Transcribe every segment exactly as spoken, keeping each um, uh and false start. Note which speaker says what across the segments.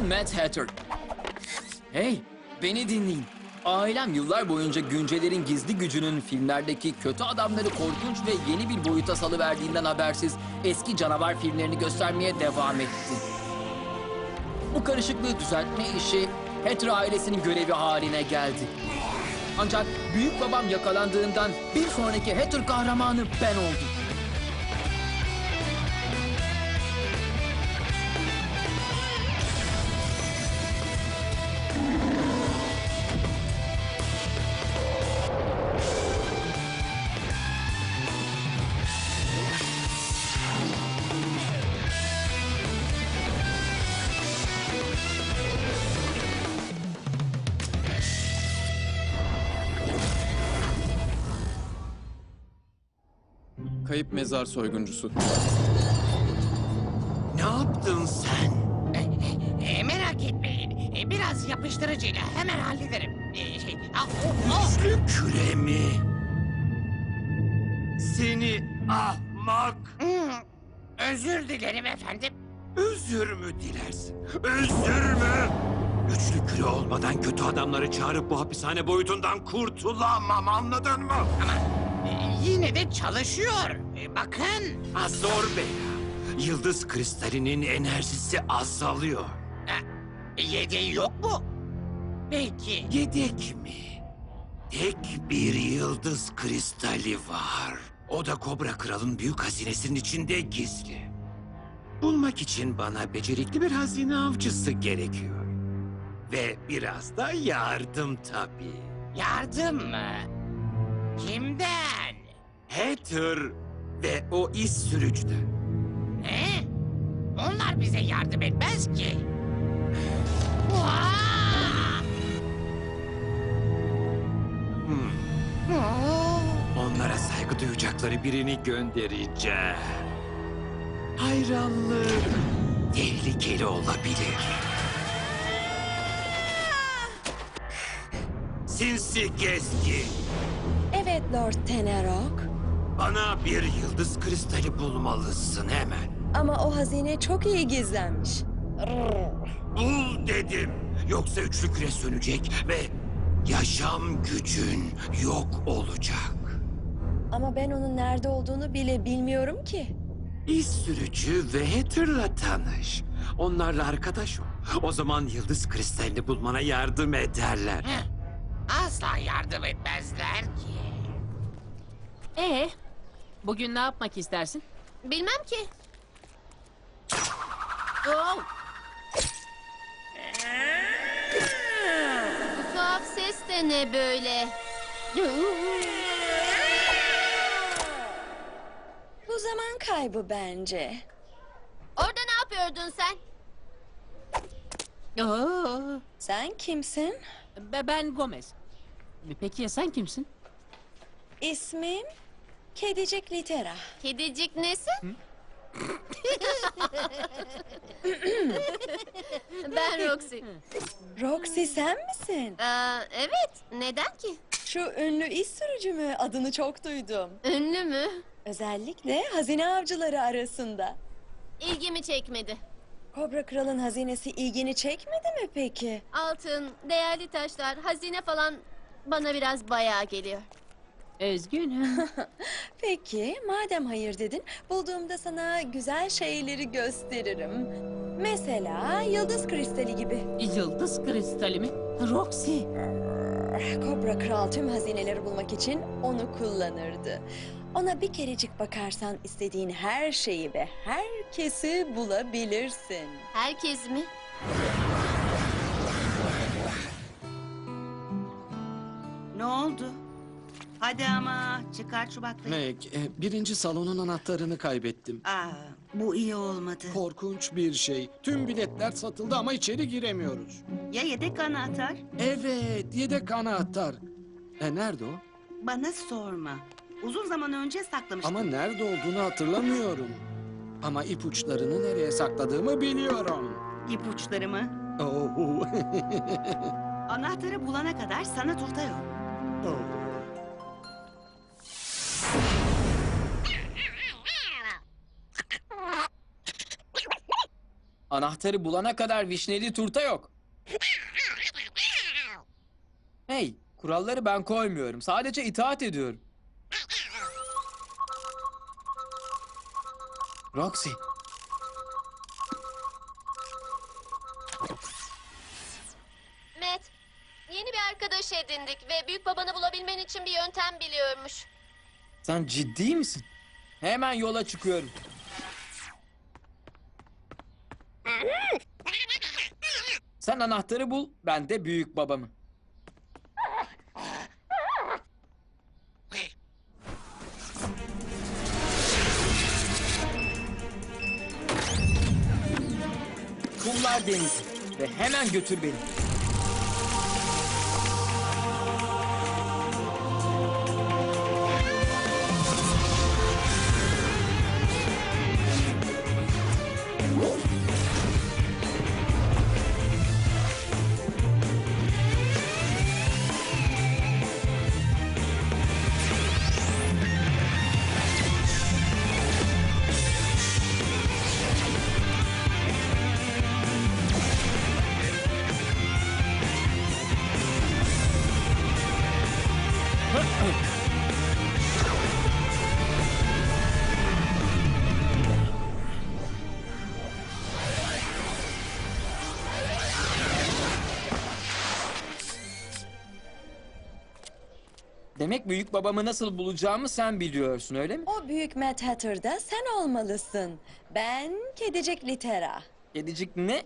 Speaker 1: Mad Hatter. Hey, beni dinleyin. Ailem yıllar boyunca güncelerin gizli gücünün filmlerdeki kötü adamları korkunç ve yeni bir boyuta salıverdiğinden habersiz eski canavar filmlerini göstermeye devam etti. Bu karışıklığı düzeltme işi Hatter ailesinin görevi haline geldi. Ancak büyük babam yakalandığından bir sonraki Hatter kahramanı ben oldum.
Speaker 2: Kayıp mezar soyguncusu.
Speaker 3: Ne yaptın sen?
Speaker 4: E, merak etmeyin. E, biraz yapıştırıcıyla hemen hallederim. E, şey, ah, oh, oh.
Speaker 3: Güçlü küre mi? Seni ahmak!
Speaker 4: Hmm, özür dilerim efendim.
Speaker 3: Özür mü dilersin? Özür mü? Güçlü küre olmadan kötü adamları çağırıp bu hapishane boyutundan kurtulamam, anladın mı?
Speaker 4: Ama e, yine de çalışıyor. E, bakın.
Speaker 3: Azor Bela, yıldız kristalinin enerjisi azalıyor.
Speaker 4: E, yedeği yok mu? Peki.
Speaker 3: Yedek mi? Tek bir yıldız kristali var. O da Kobra Kral'ın büyük hazinesinin içinde gizli. Bulmak için bana becerikli bir hazine avcısı gerekiyor. Ve biraz da yardım tabii.
Speaker 4: Yardım mı? Kimden?
Speaker 3: Hatter ve o iz sürücüden.
Speaker 4: Ne? Onlar bize yardım etmez ki. Vaa!
Speaker 3: Hmm.
Speaker 4: Oo!
Speaker 3: Onlara saygı duyacakları birini göndereceğim. Hayranlık tehlikeli olabilir. Sinsi gezgin.
Speaker 5: Evet Lord Tenerok.
Speaker 3: Bana bir yıldız kristali bulmalısın hemen.
Speaker 5: Ama o hazine çok iyi gizlenmiş.
Speaker 3: Bul dedim. Yoksa üçlü küre sönecek ve yaşam gücün yok olacak.
Speaker 5: Ama ben onun nerede olduğunu bile bilmiyorum ki.
Speaker 3: İz sürücü ve Hatter'la tanış. Onlarla arkadaş ol. O zaman yıldız kristalini bulmana yardım ederler.
Speaker 4: Heh, asla yardım etmezler ki.
Speaker 6: Ee, bugün ne yapmak istersin?
Speaker 7: Bilmem ki.
Speaker 6: Oh,
Speaker 7: Bu tuhaf ses de ne böyle?
Speaker 5: Bu zaman kaybı bence.
Speaker 7: Orada ne yapıyordun sen?
Speaker 6: oh.
Speaker 5: Sen kimsin?
Speaker 6: Be- Ben Gomez. Peki ya sen kimsin?
Speaker 5: İsmim Kedicik Litera.
Speaker 7: Kedicik nesin? Ben Roxy.
Speaker 5: Roxy sen misin?
Speaker 7: Aa, evet. Neden ki?
Speaker 5: Şu ünlü iz sürücü mü? Adını çok duydum.
Speaker 7: Ünlü mü?
Speaker 5: Özellikle hazine avcıları arasında.
Speaker 7: İlgimi çekmedi.
Speaker 5: Kobra Kral'ın hazinesi ilgini çekmedi mi peki?
Speaker 7: Altın, değerli taşlar, hazine falan bana biraz bayağı geliyor.
Speaker 6: Üzgünüm.
Speaker 5: Peki, madem hayır dedin, bulduğumda sana güzel şeyleri gösteririm. Mesela yıldız kristali gibi.
Speaker 6: Yıldız kristali mi? Roxy.
Speaker 5: Kobra Kral tüm hazineleri bulmak için onu kullanırdı. Ona bir kerecik bakarsan istediğin her şeyi ve herkesi bulabilirsin.
Speaker 7: Herkes mi?
Speaker 8: Ne oldu? Hadi ama çıkar şu baklayı.
Speaker 2: Meg, e, birinci salonun anahtarını kaybettim.
Speaker 8: Aa, bu iyi olmadı.
Speaker 2: Korkunç bir şey. Tüm biletler satıldı ama içeri giremiyoruz.
Speaker 8: Ya yedek anahtar?
Speaker 2: Evet, yedek anahtar. E nerede o?
Speaker 8: Bana sorma. Uzun zaman önce saklamıştım.
Speaker 2: Ama nerede olduğunu hatırlamıyorum. Ama ipuçlarını nereye sakladığımı biliyorum.
Speaker 8: İpuçları mı?
Speaker 2: Oo.
Speaker 8: Anahtarı bulana kadar sana turta yok.
Speaker 2: Oo.
Speaker 1: Anahtarı bulana kadar vişneli turta yok. Hey, kuralları ben koymuyorum. Sadece itaat ediyorum. Roxy,
Speaker 7: Matt, yeni bir arkadaş edindik ve büyük babanı bulabilmen için bir yöntem biliyormuş.
Speaker 1: sen ciddi misin? Hemen yola çıkıyorum. Sen anahtarı bul, ben de büyük babamı. Kumlar denizi ve hemen götür beni. Demek büyük babamı nasıl bulacağımı sen biliyorsun, öyle mi?
Speaker 5: O büyük Mad Hatter'da sen olmalısın. Ben kedicik Litera.
Speaker 1: Kedicik ne?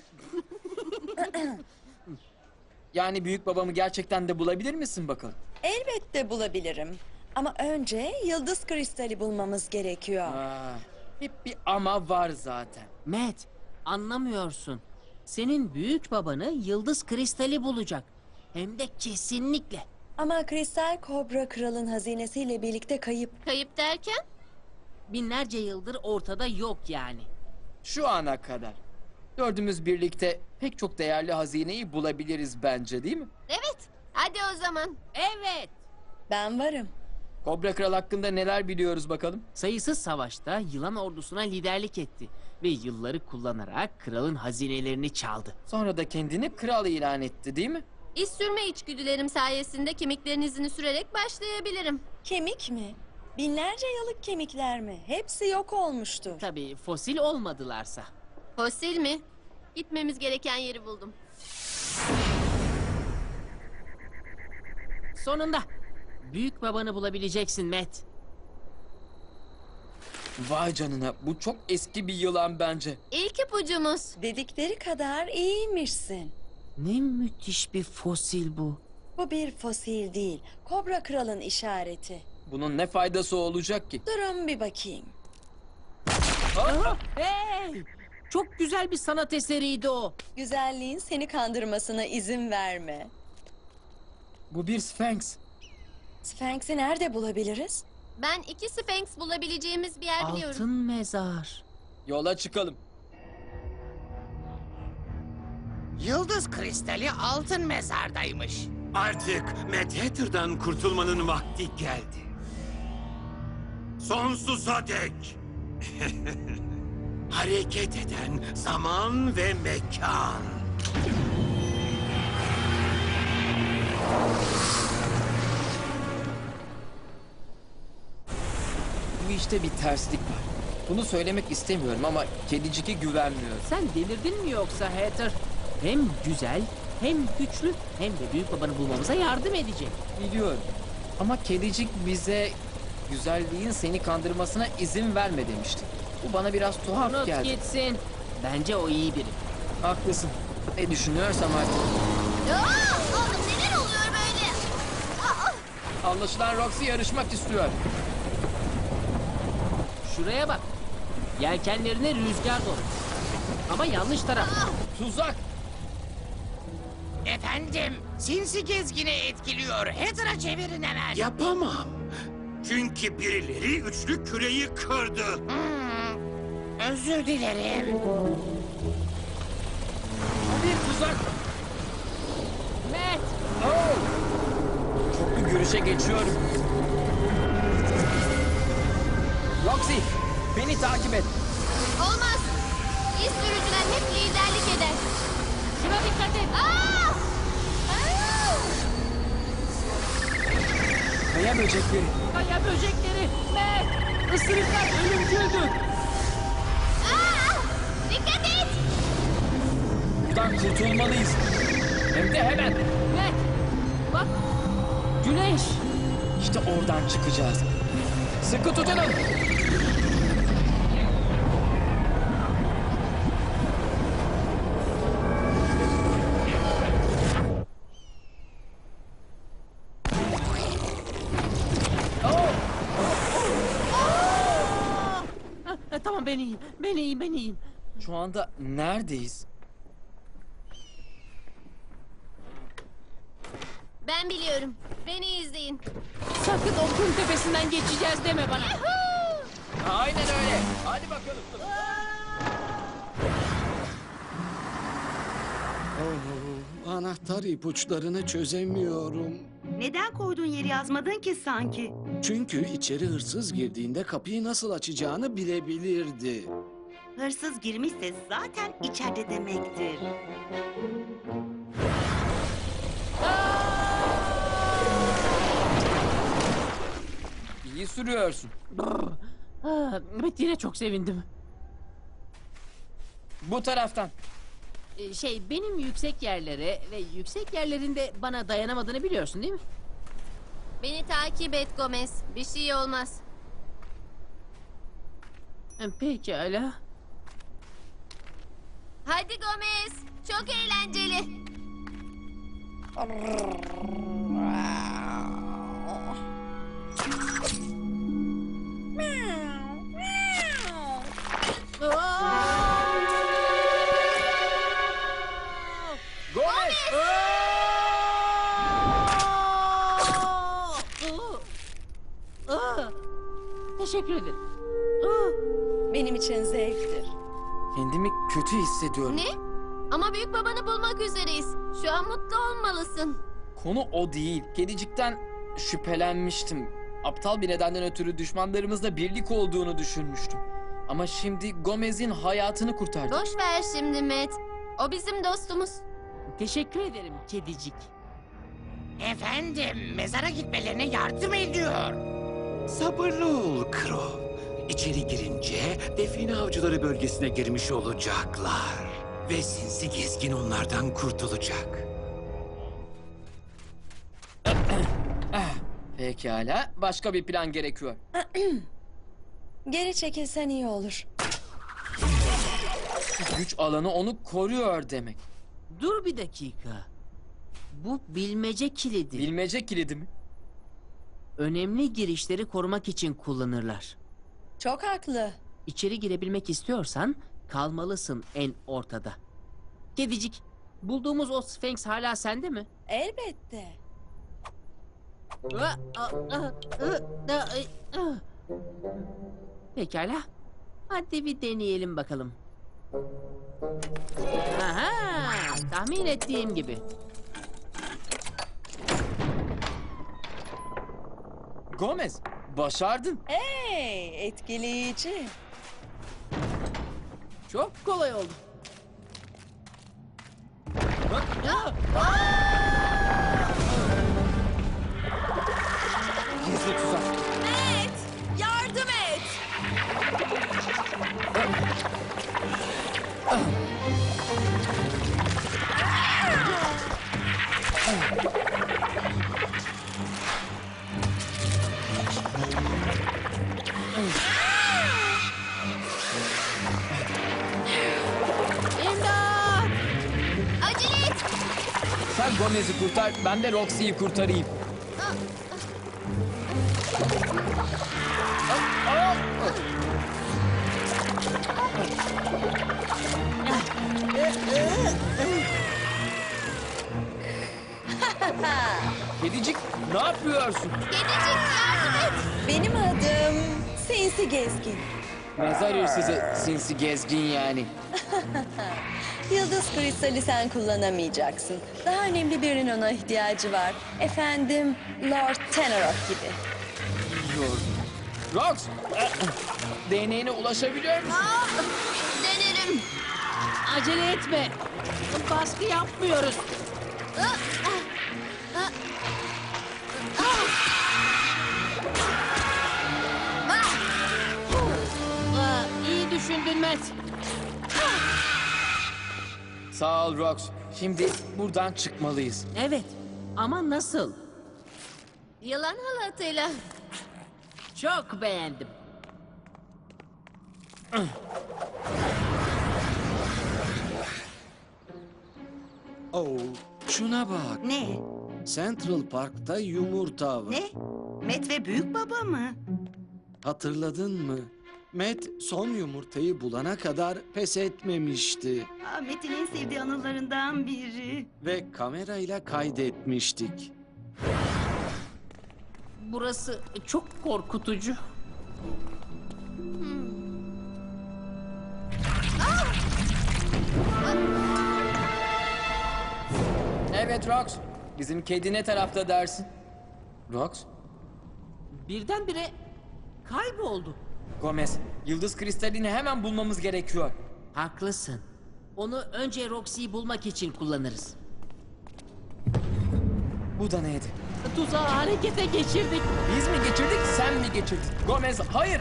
Speaker 1: Yani büyük babamı gerçekten de bulabilir misin bakalım?
Speaker 5: Elbette bulabilirim. Ama önce yıldız kristali bulmamız gerekiyor.
Speaker 1: Aa, hep bir ama var zaten.
Speaker 6: Matt, anlamıyorsun. Senin büyük babanı yıldız kristali bulacak. Hem de kesinlikle.
Speaker 5: Ama kristal kobra kralın hazinesiyle birlikte kayıp.
Speaker 7: Kayıp derken?
Speaker 6: Binlerce yıldır ortada yok yani.
Speaker 1: Şu ana kadar. Dördümüz birlikte pek çok değerli hazineyi bulabiliriz bence, değil mi?
Speaker 7: Evet, hadi o zaman.
Speaker 6: Evet.
Speaker 5: Ben varım.
Speaker 1: Kobra Kral hakkında neler biliyoruz bakalım?
Speaker 6: Sayısız savaşta yılan ordusuna liderlik etti. Ve yılları kullanarak kralın hazinelerini çaldı.
Speaker 1: Sonra da kendini kral ilan etti, değil mi?
Speaker 7: İz sürme içgüdülerim sayesinde kemiklerin izini sürerek başlayabilirim.
Speaker 5: Kemik mi? Binlerce yıllık kemikler mi? Hepsi yok olmuştur.
Speaker 6: Tabii fosil olmadılarsa.
Speaker 7: Fosil mi? Gitmemiz gereken yeri buldum.
Speaker 6: Sonunda büyük babanı bulabileceksin Matt.
Speaker 1: Vay canına, bu çok eski bir yılan bence.
Speaker 7: İlk ipucumuz.
Speaker 5: Dedikleri kadar iyiymişsin.
Speaker 6: Ne müthiş bir fosil bu.
Speaker 5: Bu bir fosil değil. Kobra kralın işareti.
Speaker 1: Bunun ne faydası olacak ki?
Speaker 5: Durun bir bakayım.
Speaker 6: Aha, hey! Çok güzel bir sanat eseriydi o.
Speaker 5: Güzelliğin seni kandırmasına izin verme.
Speaker 1: Bu bir Sphinx.
Speaker 5: Sphinx'i nerede bulabiliriz?
Speaker 7: Ben iki Sphinx bulabileceğimiz bir yer biliyorum.
Speaker 6: Altın mezar.
Speaker 1: Yola çıkalım.
Speaker 4: Yıldız kristali altın mezardaymış.
Speaker 3: Artık Mad Hatter'dan kurtulmanın vakti geldi. Sonsuza dek. Hareket eden zaman ve mekan.
Speaker 1: Bu işte bir terslik var. Bunu söylemek istemiyorum ama kedicike güvenmiyorum.
Speaker 6: Sen delirdin mi yoksa Hatter? Hem güzel, hem güçlü, hem de büyük babanı bulmamıza yardım edecek.
Speaker 1: Biliyorum. Ama kedicik bize güzelliğin seni kandırmasına izin verme demişti. Bu bana biraz tuhaf
Speaker 6: Unut
Speaker 1: geldi.
Speaker 6: gitsin. Bence o iyi biri.
Speaker 1: Haklısın. Ne düşünüyorsam artık.
Speaker 7: Aa, oğlum neler oluyor böyle? Aa,
Speaker 1: Anlaşılan Roxy yarışmak istiyor.
Speaker 6: Şuraya bak. Yelkenlerine rüzgar dolu. Ama yanlış taraf.
Speaker 1: Tuzak.
Speaker 4: Efendim, sinsi gezgini etkiliyor. Hatter'a çevirin hemen.
Speaker 3: Yapamam. Çünkü birileri üçlü küreyi kırdı.
Speaker 4: Hmm, özür dilerim.
Speaker 1: Bir tuzak.
Speaker 6: Matt!
Speaker 1: Oh! Çoklu görüşe geçiyorum. Roxy, beni takip et.
Speaker 7: olmaz. İz sürücüler hep liderlik eder.
Speaker 6: Şuna dikkat et.
Speaker 7: Aa! Aa!
Speaker 1: Kaya böcekleri.
Speaker 6: Kaya böcekleri. Matt, ısırıklar ölümcüldür.
Speaker 7: Aa! Dikkat et!
Speaker 1: Buradan kurtulmalıyız. Hem de hemen.
Speaker 6: Matt, bak. Güneş.
Speaker 1: İşte oradan çıkacağız. Sıkı tutunun.
Speaker 6: Ha, ha, tamam ben iyiyim. Ben iyiyim, ben iyiyim.
Speaker 1: Şu anda neredeyiz?
Speaker 7: Ben biliyorum. Beni izleyin.
Speaker 6: Sakın o kum tepesinden geçeceğiz deme bana.
Speaker 1: Aynen öyle. Hadi bakalım.
Speaker 2: Oh, anahtar ipuçlarını çözemiyorum.
Speaker 8: Neden koyduğun yeri yazmadın ki sanki?
Speaker 2: Çünkü içeri hırsız girdiğinde kapıyı nasıl açacağını bilebilirdi.
Speaker 8: Hırsız girmişse zaten içeride demektir.
Speaker 1: İyi sürüyorsun.
Speaker 6: Ah, evet yine çok sevindim.
Speaker 1: Bu taraftan.
Speaker 6: Ee, Şey benim yüksek yerlere ve yüksek yerlerinde bana dayanamadığını biliyorsun değil mi?
Speaker 7: Beni takip et Gomez. Bir şey olmaz.
Speaker 6: Ee, Pekala.
Speaker 7: Hadi Gomez. Çok eğlenceli.
Speaker 1: Gomez!
Speaker 6: Ah, teşekkür ederim. Ah,
Speaker 5: Benim için zevktir.
Speaker 1: Kendimi kötü hissediyorum.
Speaker 7: Ne? Ama büyük babanı bulmak üzereyiz. Şu an mutlu olmalısın.
Speaker 1: Konu o değil. Kedicikten şüphelenmiştim. Aptal bir nedenden ötürü düşmanlarımızla birlik olduğunu düşünmüştüm. Ama şimdi Gomez'in hayatını kurtardık.
Speaker 7: Boş ver şimdi Matt. O bizim dostumuz.
Speaker 6: Teşekkür ederim kedicik.
Speaker 4: Efendim, mezara gitmelerine yardım ediyor.
Speaker 3: Sabırlı ol Crow. İçeri girince define avcıları bölgesine girmiş olacaklar. Ve sinsi gezgin onlardan kurtulacak.
Speaker 1: Pekala. Başka bir plan gerekiyor.
Speaker 5: Geri çekilsen iyi olur.
Speaker 1: Güç alanı onu koruyor demek.
Speaker 6: Dur bir dakika. Bu bilmece kilidi.
Speaker 1: Bilmece kilidi mi?
Speaker 6: Önemli girişleri korumak için kullanırlar.
Speaker 5: Çok haklı.
Speaker 6: İçeri girebilmek istiyorsan kalmalısın en ortada. Kedicik, bulduğumuz o Sphinx hala sende mi?
Speaker 5: Elbette.
Speaker 6: Ah, ah, ah, ah, ah, ah. Pekala. Hadi bir deneyelim bakalım. Aha, tahmin ettiğim gibi.
Speaker 1: Gomez, başardın.
Speaker 5: Hey, etkileyici.
Speaker 6: Çok kolay oldu.
Speaker 1: Gizli tuzak.
Speaker 5: Matt, yardım et.
Speaker 6: İmdat!
Speaker 7: Acele et.
Speaker 1: Sen Gomez'i kurtar, ben de Roxy'yi kurtarayım. Kedicik, ne yapıyorsun?
Speaker 7: Kedicik yardım et.
Speaker 5: Benim adım Sinsi Gezgin.
Speaker 1: Mezar hırsızı, sinsi gezgin yani.
Speaker 5: Yıldız kristali sen kullanamayacaksın. Daha önemli birinin ona ihtiyacı var. Efendim, Lord Tenorok gibi.
Speaker 1: Yor. Rox, D N A'ne ulaşabiliyor musun?
Speaker 7: Aa, denerim.
Speaker 6: Acele etme. Baskı yapmıyoruz. Aa, İyi düşündün Matt.
Speaker 1: Sağ ol Rox. Şimdi buradan çıkmalıyız.
Speaker 6: Evet ama nasıl?
Speaker 7: Yılan halatıyla.
Speaker 6: Çok beğendim.
Speaker 2: Oh, şuna bak.
Speaker 8: Ne?
Speaker 2: Central Park'ta yumurta var.
Speaker 8: Ne? Met ve büyük baba mı?
Speaker 2: Hatırladın mı? Matt son yumurtayı bulana kadar pes etmemişti.
Speaker 8: Aa, Met'in en sevdiği anılarından biri.
Speaker 2: Ve kamerayla kaydetmiştik.
Speaker 6: Burası çok korkutucu.
Speaker 1: Evet Rox. Bizim kedi ne tarafta dersin? Rox?
Speaker 6: Birdenbire kayboldu.
Speaker 1: Gomez, yıldız kristalini hemen bulmamız gerekiyor.
Speaker 6: Haklısın. Onu önce Roxy'yi bulmak için kullanırız.
Speaker 1: Bu da neydi?
Speaker 6: Tuzağı harekete geçirdik.
Speaker 1: Biz mi geçirdik, sen mi geçirdin? Gomez, hayır!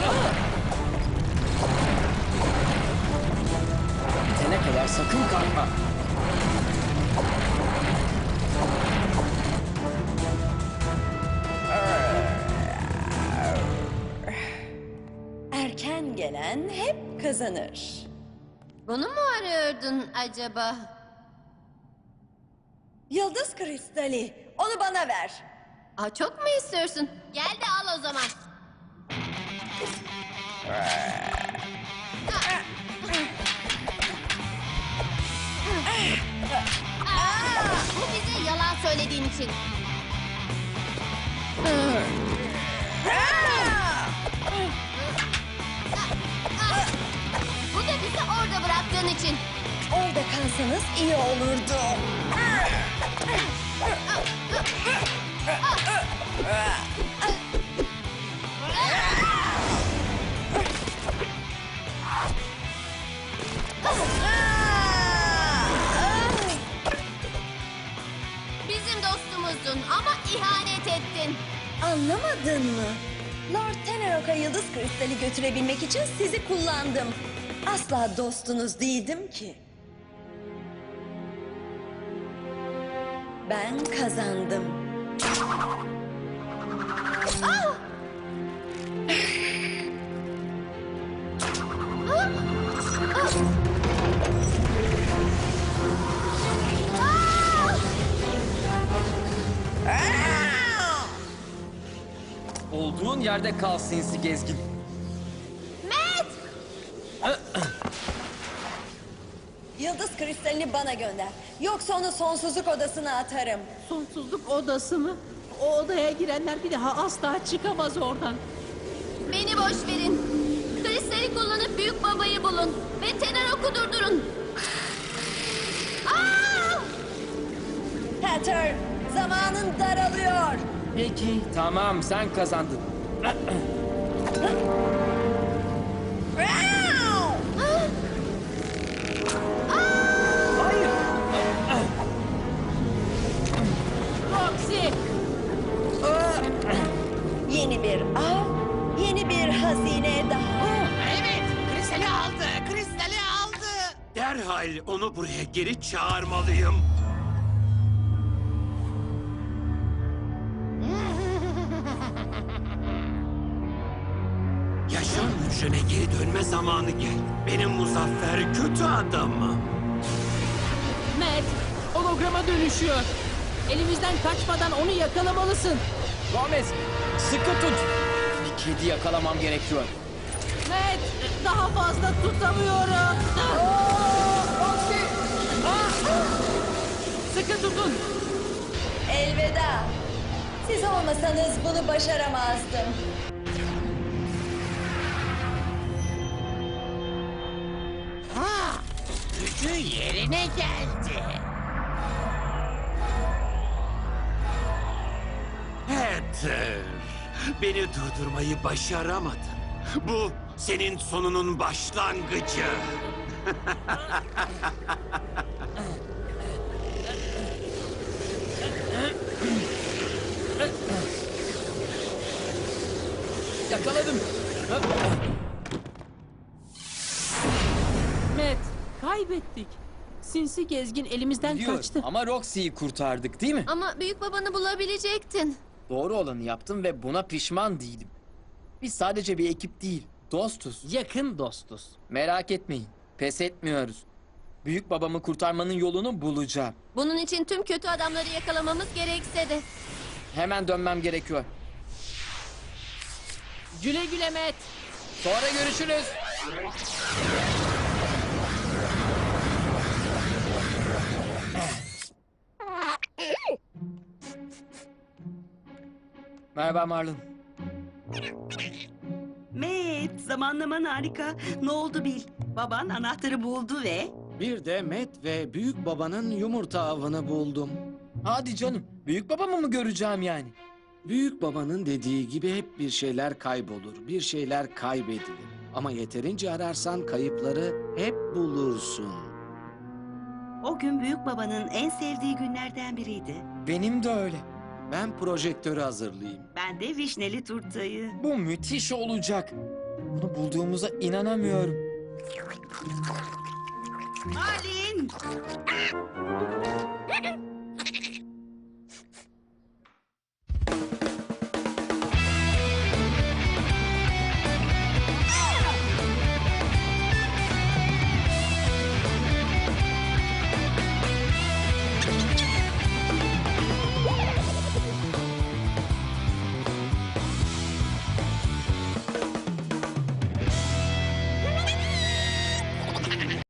Speaker 1: Bitene kadar sakın kalkma.
Speaker 5: Erken gelen hep kazanır.
Speaker 7: Bunu mu arıyordun acaba?
Speaker 5: Yıldız kristali, onu bana ver.
Speaker 7: Aa, çok mu istiyorsun? Gel de al o zaman. Aa, bu bize yalan söylediğin için. Bu da bizi orada bıraktığın için.
Speaker 5: Orada kalsanız iyi olurdu.
Speaker 7: Bizim dostumuzdun ama ihanet ettin.
Speaker 5: Anlamadın mı? Lord Tenerok'a yıldız kristali götürebilmek için sizi kullandım. Asla dostunuz değildim ki. Ben kazandım.
Speaker 1: Olduğun yerde kal sinsi gezgin.
Speaker 7: Matt!
Speaker 5: Yıldız kristalini bana gönder. Yoksa onu sonsuzluk odasına atarım.
Speaker 6: Sonsuzluk odası mı? O odaya girenler bir daha asla çıkamaz oradan.
Speaker 7: Beni boş verin. Kristali kullanıp büyük babayı bulun. Ve Tenerok'u durdurun. Aa!
Speaker 5: Hatter, zamanın daralıyor.
Speaker 1: Peki, tamam sen kazandın. Hayır.
Speaker 6: Roxy!
Speaker 5: Yeni bir av, yeni bir hazine daha.
Speaker 4: Evet, kristali aldı, kristali aldı.
Speaker 3: Derhal onu buraya geri çağırmalıyım. Yaşam hücrene geri dönme zamanı geldi. Benim muzaffer kötü adamım.
Speaker 6: Matt, holograma dönüşüyor. Elimizden kaçmadan onu yakalamalısın.
Speaker 1: Gomez, sıkı tut. Bir kedi yakalamam gerekiyor.
Speaker 6: Matt, daha fazla tutamıyorum. Sıkı tutun.
Speaker 5: Elveda. Siz olmasanız bunu başaramazdım.
Speaker 4: Ha, gücü yerine geldi.
Speaker 3: Hatter, beni durdurmayı başaramadın. Bu senin sonunun başlangıcı.
Speaker 1: Yakaladım.
Speaker 6: Matt, kaybettik. Sinsi gezgin elimizden
Speaker 1: Biliyorum
Speaker 6: kaçtı.
Speaker 1: ama Roxy'yi kurtardık değil mi?
Speaker 7: Ama büyük babanı bulabilecektin.
Speaker 1: Doğru olanı yaptım ve buna pişman değilim. Biz sadece bir ekip değil, dostuz.
Speaker 6: Yakın dostuz.
Speaker 1: Merak etmeyin, pes etmiyoruz. Büyük babamı kurtarmanın yolunu bulacağım.
Speaker 7: Bunun için tüm kötü adamları yakalamamız gerekse de.
Speaker 1: Hemen dönmem gerekiyor.
Speaker 6: Güle güle Matt.
Speaker 1: Sonra görüşürüz. Merhaba Marlon.
Speaker 8: Matt, zamanlaman harika. Ne oldu bil. Baban anahtarı buldu ve...
Speaker 2: Bir de Matt ve büyük babanın yumurta avını buldum.
Speaker 1: Hadi canım, büyük babamı mı göreceğim yani?
Speaker 2: Büyük babanın dediği gibi hep bir şeyler kaybolur, bir şeyler kaybedilir. Ama yeterince ararsan kayıpları hep bulursun.
Speaker 8: O gün büyük babanın en sevdiği günlerden biriydi.
Speaker 1: Benim de öyle.
Speaker 2: Ben projektörü hazırlayayım.
Speaker 8: Ben de vişneli turtayı.
Speaker 1: Bu müthiş olacak. Bunu bulduğumuza inanamıyorum.
Speaker 8: Malin!